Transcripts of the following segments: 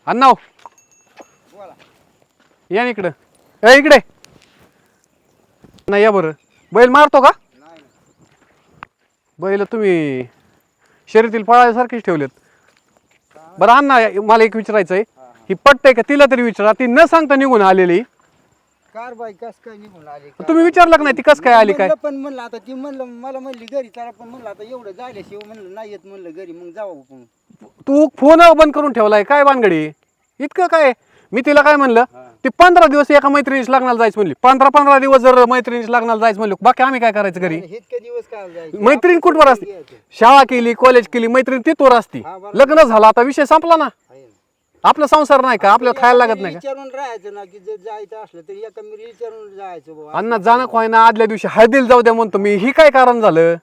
अण्णाव बोला. या ना इकडं. इकडे नाही या बरं. बैल मारतो का? नाही नाही. बैल तुम्ही शर्यतील पळायसारखेच ठेवलेत. बरं अण्णा मला एक विचारायचं आहे. ही पटतंय का तिला तरी विचारा. ती न सांगता निघून आलेली. कार बाई कस काय निघून आली काय? तुम्ही विचारलं का नाही ती कस काय आली काय? म्हणलं पण म्हणलं आता ती म्हणलं मला म्हणली घरी चला पण म्हणलं आता एवढं जायल्याशिवाय म्हणलं नाही येत म्हणलं घरी मग जाऊ आपण. तू फोन बंद करून ठेवलाय काय भानगडी? इतकं काय? मी तिला काय म्हणलं ती 15 दिवस एका मैत्रिणीशी लग्नाला जायचं म्हणली. 15 दिवस जर मैत्रिणीशी लग्नाला जायचं म्हणलं बाकी आम्ही काय करायचं घरी? इतके दिवस काय जायचं? मैत्रीण कुठवर असते? शाळा केली कॉलेज केली मैत्रीण तिथवर असती. लग्न झालं आता विषय संपला ना. आपला संसार नाही का? आपल्याला खायला लागत नाही का? विचारून राहायचं ना की जर जायचं असलं तरी एका मी विचारून जायचं बाबा. अण्णा जाणं खोय ना आदल्या दिवशी हळदीला जाऊ द्या म्हणतो मी. ही काय कारण झालं?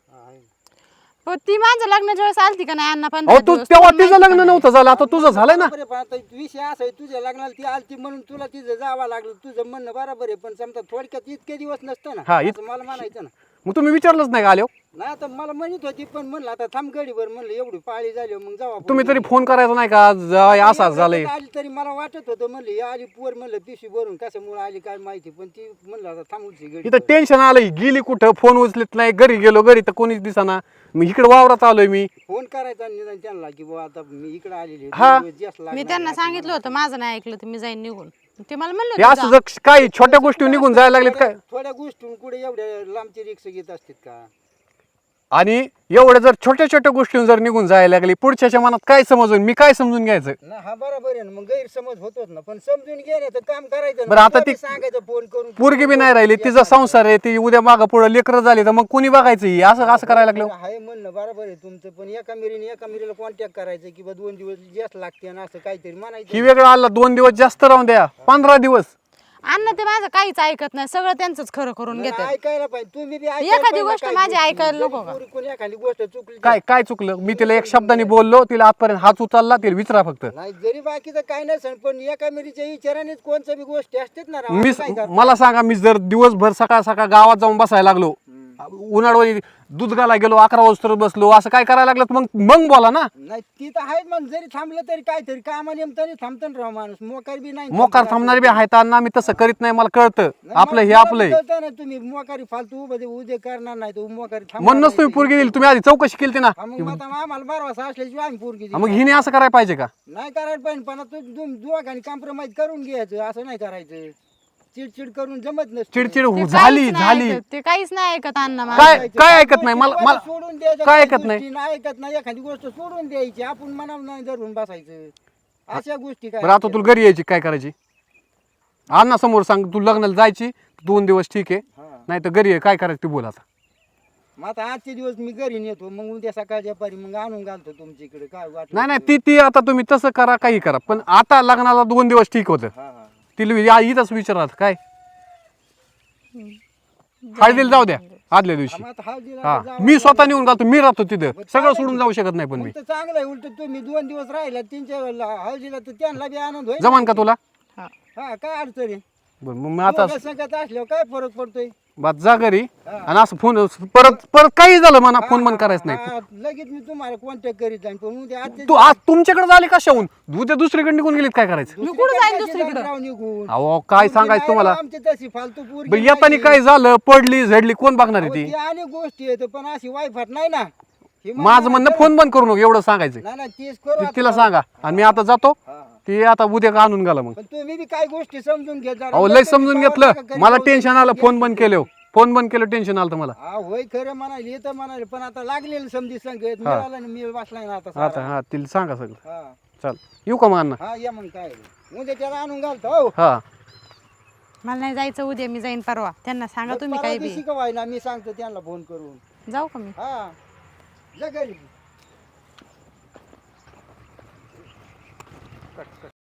हो ती माझं लग्नाच्या वेळेस आलती का नाही अण्णा? पण अहो तू तेव्हा तिचं लग्न नव्हतं झालं आता तुझं झालंय ना. बरोबर आहे, पण आता विषय असा आहे तुझ्या लग्नाला ती आलती म्हणून तुला तिथं जावं लागलं. तुझं म्हणणं बरोबर आहे पण समजा थोडक्यात इतके दिवस नसतं ना. हा, असं मला म्हणायचं ना. मग तुम्ही विचारलंच नाही का आलो? नाही आता मला म्हणत होती पण म्हणलं आता थांब गडीवर म्हणलं एवढी पाळी झाली मग जाऊ आपण. तुम्ही तरी फोन करायचा नाही का? असाच झालंय. आली तरी मला वाटत होतं म्हणलं ही आली पोर म्हणलं पिशवी भरून कशामुळे आली काय माहिती पण ती म्हणलं आता थांबूची गडी. इथं टेन्शन आलं. गेली कुठं? फोन उचलत नाही. घरी गेलो घरी तर कोणीच दिसाना. मी इकडे वावरात आलोय मी. फोन करायचा निदान त्यांना की बाबा आता मी इकडे आलेली हा. मी त्यांना सांगितलं होतं माझं नाही ऐकलं तर मी जाईन निघून. ते मला हे म्हणलं असं जर काही छोट्या गोष्टी निघून जायला लागलेत काय? थोड्या गोष्टी कुठे एवढ्या लांबची रिक्षा घेत असतात का? आणि एवढ्या जर छोट्या छोट्या गोष्टी जर निघून जायला लागली पुढच्याच्या मनात काय समजून मी काय समजून घ्यायचं? ना हा बरोबर आहे ना मग गैरसमज होतोच ना पण समजून घेण्याचं काम करायचं ना. बरं, आता तुला ती बी सांगायचं फोन करून पोरगी बी नाही राहिली. तिचा संसार आहे. ती उद्या मागं पुढे लेकरं झाली तर मग कोणी बघायचं? ही असं असं करायला लागलं. आहे म्हणणं बरोबर आहे तुमचं पण एका मिरीला कॉन्टॅक्ट करायचं की बा 2 दिवस जास्त लागते ना असं काहीतरी म्हणायचं. ही वेगळं आलं 2 दिवस जास्त राहून द्या. 15 दिवस अण्णा ते माझं काहीच ऐकत नाही. सगळं त्यांचंच खरं करून नाही, घेतात. ऐकायला पाहिजे तुम्ही बी एखादी गोष्ट माझी ऐकायला नको का? कोणी एखादी गोष्ट चुकली काय काय चुकलं? मी तिला एक शब्दाने बोललो. तिला आजपर्यंत हात उचलला. तिला विचारा फक्त. नाही जरी बाकीचं काय नसेल पण एका मिरीच्या विचारानेच कोणत्या बी गोष्टी असतात ना राव. मी असं काय करता? मला सांगा मी जर दिवसभर सकाळ सकाळ गावात जाऊन बसायला लागलो उन्हाळी दूध घाला गेलो 11 वाजता बसलो असं काय करायला लागलं मग मग बोला ना. नाही ती तर आहे मग जरी थांबलं तरी काहीतरी कामाला तरी थांबतं ना राव माणूस. मोकार बी नाही मोकार थांबणारे बी आहेत अण्णा. मी तसं करीत नाही. मला कळतं आपलं हे आपलंय. ना तुम्ही मोकारी फालतू उद्या करणार नाही तर मोकारी म्हणूनच तुम्ही पोरगी दिली. तुम्ही आधी चौकशी केली ना. मग आता आम्हाला बारवासा असल्याशिवाय आम्ही पोरगी दिली. मग हिने असं करायला पाहिजे का? नाही करायला पाहिजे पण आता दोघांनी कॉम्प्रोमाइज करून घ्यायचं असं नाही करायचं. चिडचिड करून जमत नसतं. चिडचिड ते झाली काहीच नाही झाली. ऐकत. ते काहीच नाही ऐकत अण्णा माझं. काय काय ऐकत नाही? मला सोडून द्यायचं. काय काही ऐकत नाही? गोष्टी नाही ऐकत नाही एखादी गोष्ट सोडून द्यायची आपण मनावर नाही धरून बसायचं. अशा गोष्टी काय बरं आता तुला घरी यायची काय करायची? अण्णा समोर सांग तू लग्नाला जायची 2 दिवस ठीक आहे. हा. नाही तर घरी काय करायचं ते बोल आता. मग आता आजचे दिवस मी घरी नेतो मग उद्या सकाळच्या पारी मग आणून घालतो तुमच्या इकडे काय वाटलं नाही नाही ती आता तुम्ही तसं करा काही करा पण आता लग्नाला 2 दिवस ठीक होतं. हा हा तिला इथंच विचारत काय हळदीला जाऊ द्या आदल्या दिवशी. मग आता हळदीला हा जावं मी स्वतः लागेल. नेऊन घालतो. मी राहतो तिथं. सगळं सोडून जाऊ शकत नाही पण मी. उलट चांगलं आहे उलट तुम्ही 2 दिवस राहिला त्यांच्या हळदीला तर त्यांना बी आनंद होईल. जमान का तुला? हा. हा काय अडचण आहे? बरं मग आता दोघं संगत असल्यावर काय फरक पडतोय? बात जा घरी आणि असं फोन परत काही झालं म्हणा फोन बंद करायचं नाही. हा, लगेच मी तुम्हाला कॉन्टॅक्ट करीत जाईन पण उद्या आजच्या तू आज तुमच्याकडे झाले कशाहून? उद्या दुसरीकडे निघून गेलीत काय करायचं? मी कुठं जाईन कशी दुसरीकडं? राव निघून अहो काय सांगायचं तुम्हाला? आमची तशी फालतू पोरगी बरं, येताना नाही. काय झालं पडली झडली कोण बघणार आहे अहो, ती? ती आणि गोष्टी आहेत पण अशी वायफाट नाही ना. हे माझं म्हणणं फोन बंद करू नको एवढं सांगायचं. नाही नाही तेच करू आता. तिला सांगा आणि मी आता जातो. हा, हा. ती आता उद्या का आणून गेला मग. पण तुम्ही बी काय गोष्टी समजून घ्या जरा. अहो लय समजून घेतलं. मला टेन्शन आलं फोन बंद केलं. फोन बंद केलं टेन्शन आलं मला. हा होय खरं म्हणाले येतं म्हणाले पण आता लागलेलं समजी संगत मिळाला मी बसलाय ना आता आता सारा. हा तिला सांगा सगळं. हा चल येऊ का मग अण्णा? हा या मग काय उद्या त्याला आणून घालतो हो. हा मला नाही जायचं उद्या. मी जाईन परवा. त्यांना सांगा तुम्ही काही बी. का व्हायला मी सांगतो त्यांना फोन करून. जाऊ का मी? हा जा घरी.